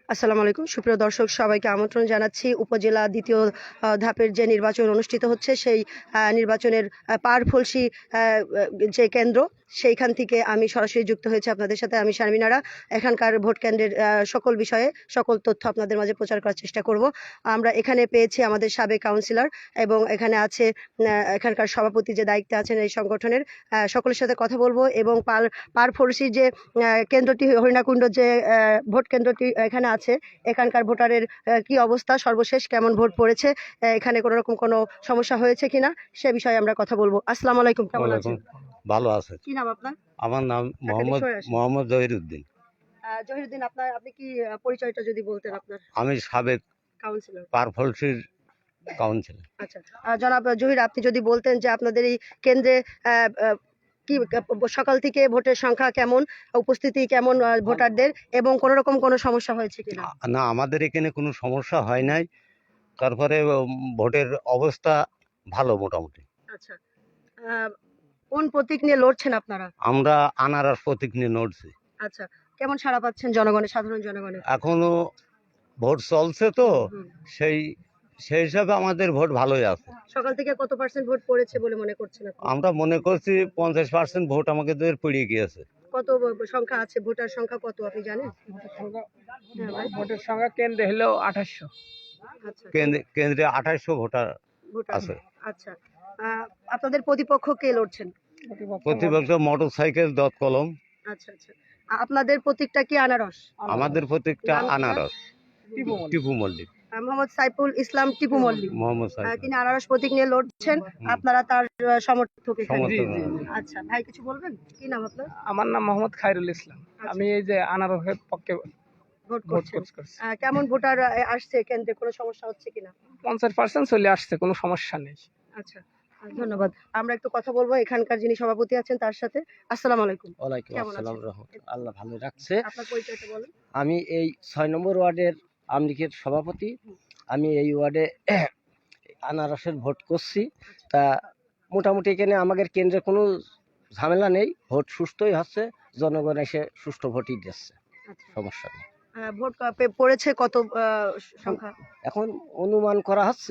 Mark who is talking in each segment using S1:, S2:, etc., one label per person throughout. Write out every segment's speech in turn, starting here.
S1: আসসালামু আলাইকুম সুপ্রিয় দর্শক, সবাইকে আমন্ত্রণ জানাচ্ছি। উপজেলা দ্বিতীয় ধাপের যে নির্বাচন অনুষ্ঠিত হচ্ছে সেই নির্বাচনের পারফলসি যে কেন্দ্র, সেইখান থেকে আমি সরাসরি যুক্ত হয়েছি আপনাদের সাথে। আমি শারমিনারা এখানকার ভোট কেন্দ্রের সকল বিষয়ে সকল তথ্য আপনাদের মাঝে প্রচার করার চেষ্টা করব। আমরা এখানে পেয়েছি আমাদের সাবেক কাউন্সিলর এবং এখানে আছে এখানকার সভাপতি যে দায়িত্বে আছেন এই সংগঠনের, সকলের সাথে কথা বলবো। এবং পারফলসি যে কেন্দ্রটি, হরিণাকুণ্ড যে ভোট কেন্দ্রটি এখানে আছে, এখানকার ভোটারের কি অবস্থা, সর্বশেষ কেমন ভোট পড়েছে, এখানে কোনো রকম কোনো সমস্যা হয়েছে কিনা সে বিষয়ে আমরা কথা বলবো। আসসালামু আলাইকুম, কেমন আছেন?
S2: ভালো আছে।
S1: কি নাম আপনার?
S2: আমার নাম মোহাম্মদ জহিরুদ্দিন।
S1: জহিরুদ্দিন, আপনি কি পরিচয়টা যদি বলতেন আপনার?
S2: আমি সাবেক
S1: কাউন্সিলর,
S2: পারফলসির কাউন্সিলর।
S1: আচ্ছা। জনাব জহির, আপনি যদি বলতেন যে আপনাদের এই কেন্দ্রে কি সকাল থেকে ভোটের সংখ্যা কেমন, উপস্থিতি কেমন ভোটারদের, এবং কোনো রকম কোনো সমস্যা হয়েছে কিনা?
S2: না, আমাদের এখানে কোনো সমস্যা হয় নাই। তারপরে ভোটের অবস্থা ভালো মোটামুটি।
S1: আচ্ছা, কোন প্রতীক নিয়ে লড়ছেন আপনারা?
S2: আমরা আনারস প্রতীক নিয়ে লড়ছি।
S1: আচ্ছা, কেমন সাড়া পাচ্ছেন জনগণের, সাধারণ জনগণের?
S2: এখনো ভোট চলছে তো,
S1: হুম।
S2: সেই সেই হিসাবে আমাদের ভোট ভালোই আছে।
S1: সকাল থেকে কত পার্সেন্ট ভোট পড়েছে বলে মনে করছেন আপনি?
S2: আমরা মনে করছি 50% ভোট আমাদের পড়িয়ে গিয়েছে।
S1: কত সংখ্যা আছে, ভোটার সংখ্যা কত আপনি জানেন? হ্যাঁ ভাই।
S3: ভোটের সংখ্যা কেন্দ্রে হলো 2800।
S1: আচ্ছা,
S2: কেন্দ্রে 2800 ভোটার
S1: ভোটার
S2: আছে।
S1: আচ্ছা, আপনাদের প্রতিপক্ষ কে লড়ছেন?
S2: প্রতিপক্ষ মোটরসাইকেল দত কলম।
S1: আচ্ছা আচ্ছা, আপনাদের প্রতীকটা কি আনারস?
S2: আমাদের প্রতীকটা
S1: নাম কি?
S2: আনারস। টিপু মল্লিক।
S1: মোহাম্মদ সাইফুল ইসলাম টিপু মল্লিক,
S2: মোহাম্মদ সাইফুল।
S1: তিনি আনারস প্রতীক নিয়ে লড়ছেন, আপনারা তার সমর্থক এখানে।
S2: সমর্থক।
S1: আচ্ছা ভাই, কিছু বলবেন? কি নাম আপনার?
S3: আমার নাম মোহাম্মদ খায়রুল ইসলাম।
S1: আচ্ছা।
S3: আমি এই যে আনারসের পক্ষে
S1: ভোট
S3: ভোট
S1: করছেন।
S3: করছি।
S1: কেমন ভোটার আসছে কেন্দ্রে, কোনো সমস্যা হচ্ছে কিনা?
S3: 50% চলে আসছে, কোনো সমস্যা নেই।
S1: আচ্ছা, ধন্যবাদ। আমরা একটু কথা বলবো এখানকার যিনি সভাপতি আছেন তার সাথে। আসসালামু আলাইকুম।
S4: ওয়ালাইকুম
S1: কেমন
S4: আসসালাম
S1: আছেন?
S4: রহমতুল্লাহ। আল্লাহ ভালো রাখছে।
S1: আপনার পরিচয়টা বলেন।
S4: আমি এই 6 নম্বর ওয়ার্ডের আওয়ামী লীগের সভাপতি। আমি এই ওয়ার্ডে আনারসের ভোট করছি। তা মোটামুটি এখানে আমাদের কেন্দ্রে কোনো ঝামেলা নেই, ভোট সুষ্ঠুই হচ্ছে, জনগণ এসে সুষ্ঠু ভোটই দিচ্ছে,
S1: আচ্ছা,
S4: সমস্যা নেই।
S1: ভোট পড়েছে কত সংখ্যা?
S4: এখন অনুমান করা হচ্ছে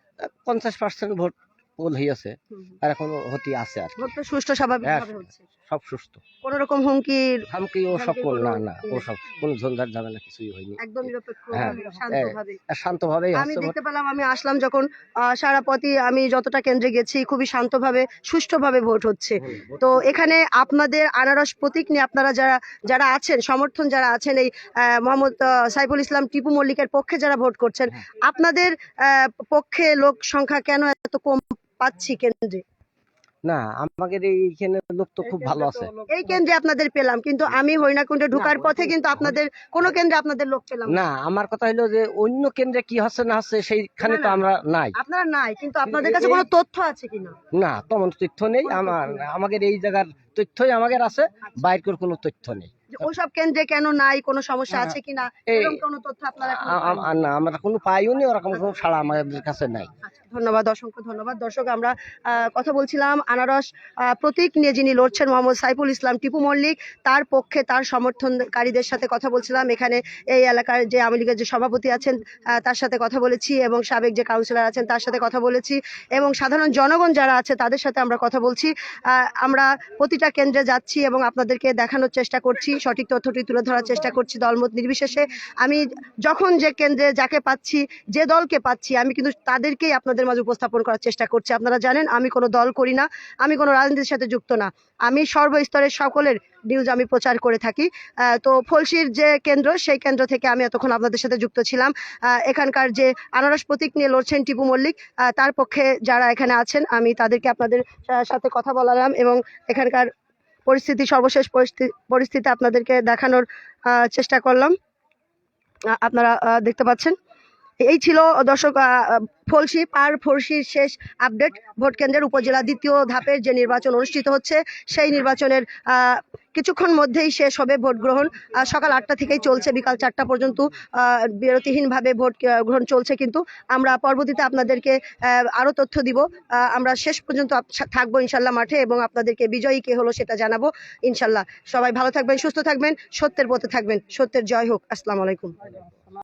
S4: 50% ভোট পোল হয়েছে, আর এখন হতে আছে আর কি।
S1: ভোট তো সুষ্ঠু স্বাভাবিকভাবে হচ্ছে,
S4: সব সুস্থ,
S1: কোন রকম হুমকির
S4: ধামকি ও সব না না, ও সব কোনো ঝঞ্ঝাট ঝামেলা কিছুই হয়নি,
S1: একদম নিরপেক্ষ
S4: হ্যাঁ,
S1: শান্তভাবে।
S4: শান্তভাবেই
S1: আমি
S4: হচ্ছে ভোট।
S1: দেখতে পেলাম, আমি আসলাম যখন, সারা পথই আমি যতটা কেন্দ্রে গেছি খুবই শান্তভাবে সুষ্ঠুভাবে ভোট হচ্ছে। তো এখানে আপনাদের আনারস প্রতীক নিয়ে আপনারা যারা যারা আছেন, সমর্থন যারা আছেন, এই মোহাম্মদ সাইফুল ইসলাম টিপু মল্লিকের পক্ষে যারা ভোট করছেন, আপনাদের পক্ষে লোক সংখ্যা কেন এত কম পাচ্ছি কেন্দ্রে?
S4: না, আমাদের এইখানে লোক তো খুব ভালো আছে।
S1: এই কেন্দ্রে আপনাদের পেলাম, কিন্তু আমি হরিণাকুণ্ডে ঢোকার পথে কিন্তু আপনাদের কোন কেন্দ্রে আপনাদের লোক পেলাম না।
S4: না, আমার কথা হলো যে অন্য কেন্দ্রে কি হচ্ছে না হচ্ছে সেইখানে
S1: না,
S4: তো
S1: না।
S4: আমরা নাই।
S1: আপনারা নাই, কিন্তু আপনাদের কাছে কোনো তথ্য আছে কিনা?
S4: না, তেমন তথ্য নেই। আমাদের এই জায়গার তথ্যই আমাদের আছে, বাইরের কোনো তথ্য নেই।
S1: যে ওসব কেন্দ্রে কেন নাই, কোনো সমস্যা আছে কিনা, এরকম কোনো তথ্য আপনারা এখনো পাননি?
S4: না, আমরা কোনো পাইও নি, ওরকম কোনো সাড়া আমাদের কাছে নাই।
S1: আচ্ছা, ধন্যবাদ, অসংখ্য ধন্যবাদ। দর্শক, আমরা কথা বলছিলাম আনারস প্রতীক নিয়ে যিনি লড়ছেন মোহাম্মদ সাইফুল ইসলাম টিপু মল্লিক, তার পক্ষে তার সমর্থনকারীদের সাথে কথা বলছিলাম। এখানে এই এলাকার যে আওয়ামী লীগের যে সভাপতি আছেন তার সাথে কথা বলেছি, এবং সাবেক যে কাউন্সিলর আছেন তার সাথে কথা বলেছি, এবং সাধারণ জনগণ যারা আছে তাদের সাথে আমরা কথা বলছি। আমরা প্রতিটা কেন্দ্রে যাচ্ছি এবং আপনাদেরকে দেখানোর চেষ্টা করছি, সঠিক তথ্যটি তুলে ধরার চেষ্টা করছি দলমত নির্বিশেষে। আমি যখন যে কেন্দ্রে যাকে পাচ্ছি, যে দলকে পাচ্ছি, আমি কিন্তু তাদেরকেই আপনাদের মাঝে উপস্থাপন করার চেষ্টা করছি। আপনারা জানেন আমি কোনো দল করি না, আমি কোনো রাজনীতির সাথে যুক্ত না, আমি সর্বস্তরের সকলের নিউজ আমি প্রচার করে থাকি। তো ফলসির যে কেন্দ্র, সেই কেন্দ্র থেকে আমি এতক্ষণ আপনাদের সাথে যুক্ত ছিলাম। এখানকার যে আনারস প্রতীক নিয়ে লড়ছেন টিপু মল্লিক, তার পক্ষে যারা এখানে আছেন আমি তাদেরকে আপনাদের সাথে কথা বলালাম, এবং এখানকার পরিস্থিতি, সর্বশেষ পরিস্থিতি আপনাদেরকে দেখানোর চেষ্টা করলাম। আপনারা দেখতে পাচ্ছেন এই ছিল দর্শক ফলসি পার ফলসির শেষ আপডেট। ভোট কেন্দ্রের উপজেলা দ্বিতীয় ধাপের যে নির্বাচন অনুষ্ঠিত হচ্ছে সেই নির্বাচনের কিছুক্ষণ মধ্যেই শেষ হবে ভোট গ্রহণ। সকাল 8টা থেকেই চলছে, বিকাল 4টা পর্যন্ত বিরতিহীনভাবে ভোট গ্রহণ চলছে। কিন্তু আমরা পরবর্তীতে আপনাদেরকে আরো তথ্য দিব। আমরা শেষ পর্যন্ত থাকবো ইনশাল্লাহ মাঠে এবং আপনাদেরকে বিজয়ী কে হলো সেটা জানাবো ইনশাল্লাহ। সবাই ভালো থাকবেন, সুস্থ থাকবেন, সত্যের পথে থাকবেন। সত্যের জয় হোক। আসসালামু আলাইকুম।